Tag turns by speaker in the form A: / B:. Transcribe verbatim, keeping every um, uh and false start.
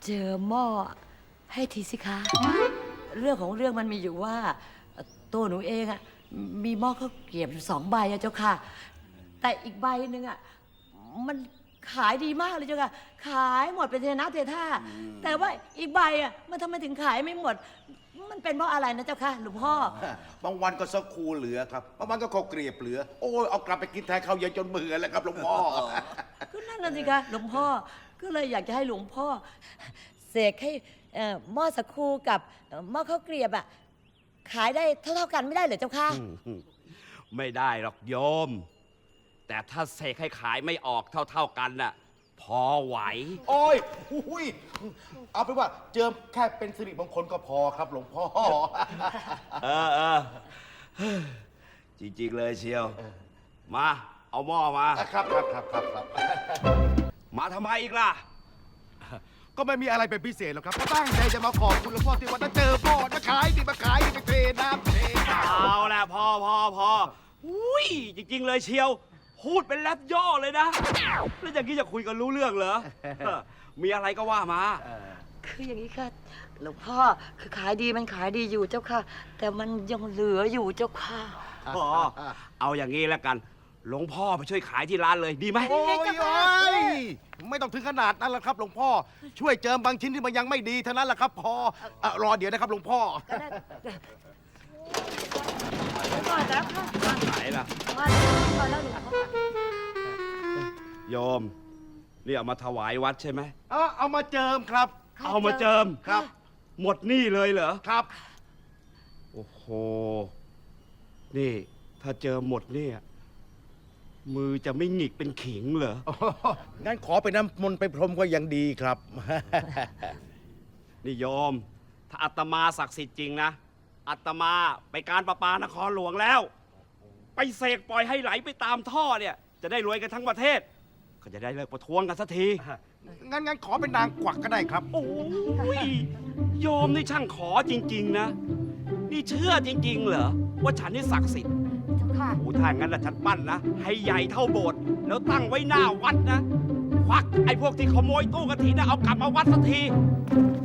A: เจอหม้อให้ทีสิคะ เรื่องของเรื่องมันมีอยู่ว่าตัวหนูเองอะมีหม้อข้าวเกรียบอยู่สองใบอะเจ้าค่ะ แต่อีกใบหนึ่งอะมันขายดีมากเลยเจ้าค่ะ ขายหมดเป็นเทน้ำเทท่า แต่ว่าอีกใบอะมันทำไมถึงขายไม่หมด มันเป็นเพราะอะไรนะเจ้าค่ะหลวงพ่อ
B: บางวันก็สักคูเหลือครับบางวันก็ข้าวเกรียบเหลือ โอ้ยเอากลับไปกินแทนข้าวเย็นจนเบื่อแล้วครับหลวงพ่อ
A: ก็นั่นน่ะสิคะหลวงพ่อก็เลยอยากจะให้หลวงพ่อเสกให้เอ่อหม้อสักคูกับเอ่อหม้อข้าวเกรียบอะขายได้เท่าๆกันไม่ได้เหรอเจ้าค่ะ
C: ไม่ได้หรอกโยม แต่ถ้าเสกให้ขายไม่ออกเท่าๆกันน่ะพอไหว
B: โอ้ยอุ้ยเอาเป็นว่าเจิมแค่เป็นสิริมงคลก็พอครับหลวงพ่อ
C: เออเออจริงๆเลยเชียว มาเอาหม้อมา
B: ครับครับครับครับครับ
C: มาทำไมอีกล่ะ
B: ก็ไม่มีอะไรเป็นพิเศษหรอกครับก็ตั้งใจจะมาขอบคุณหลวงพ่อที่วันนั้นเจอพ่อมาขายดิมาขายดิไปเทน้ำเทน้
C: เอาละพอพอพออุ้ยจริง ๆ เลยเชียว พูดเป็นแรปย่อเลยนะ แล้วอย่างนี้จะคุยกันรู้เรื่องเหรอ มีอะไรก็ว่ามา
A: คืออย่างนี้ค่ะหลวงพ่อคือขายดีมันขายดีอยู่เจ้าค่ะ แต่มันยังเหลืออยู่เจ้าค่ะ
C: อ๋อ เอาอย่างนี้แล้วกัน หลวงพ่อไปช่วยขายที่ร้านเลยดีไหม
B: ำโอ้ยโอ้ยไม่ต้องถึงขนาดนั้นหรอกครับหลวงพ่อ ช่วยเจิมบางชิ้นที่มันยังไม่ดีเท่านั้นแหละครับพอเอ่อรอเดี๋ยวนะครับหลวงพ่อ
A: ก็ได้ก่อนแล้วค่ะ
C: ไหนล่ะ
A: มาแล้วมาแล้วหลวงพ่อ
C: โยม นี่เอามาถวายวัดใช่ไหม
B: เอาเอามาเจิมครับ
C: เอามาเจิม
B: ครับ
C: หมดหนี่เลยเหรอ
B: ครับ
C: โอ้โห นี่ ถ้าเจอหมดเนี่ย มือจะไม่หงิกเป็นขิงเหรอ
B: อ๋องั้นขอไปน้ำมนต์ไปพรมก็ยังดีครับ
C: นี่โยม ถ้าอาตมาศักดิ์สิทธิ์จริงนะอาตมาไปการประปานครหลวงแล้ว ไปเสกปล่อยให้ไหลไปตามท่อเนี่ย จะได้รวยกันทั้งประเทศ ก็จะได้เลิกประท้วงกันสักที
B: งั้นงั้นขอเป็นนางกวักก็ได้ครับ
C: โอ้ยโยมนี่ช่างขอจริง ๆ นะ นี่เชื่อจริง ๆ เหรอ ว่าฉันนี่ศักดิ์สิทธิ์
A: เจ้าค่ะ
C: โอ้ถ้างั้นละฉันปั้นนะ ให้ใหญ่เท่าโบสถ์แล้วตั้งไว้หน้าวัดนะ ควักไอ้พวกที่ขโมยตู้กระถินนะเอากลับมาวัดสักที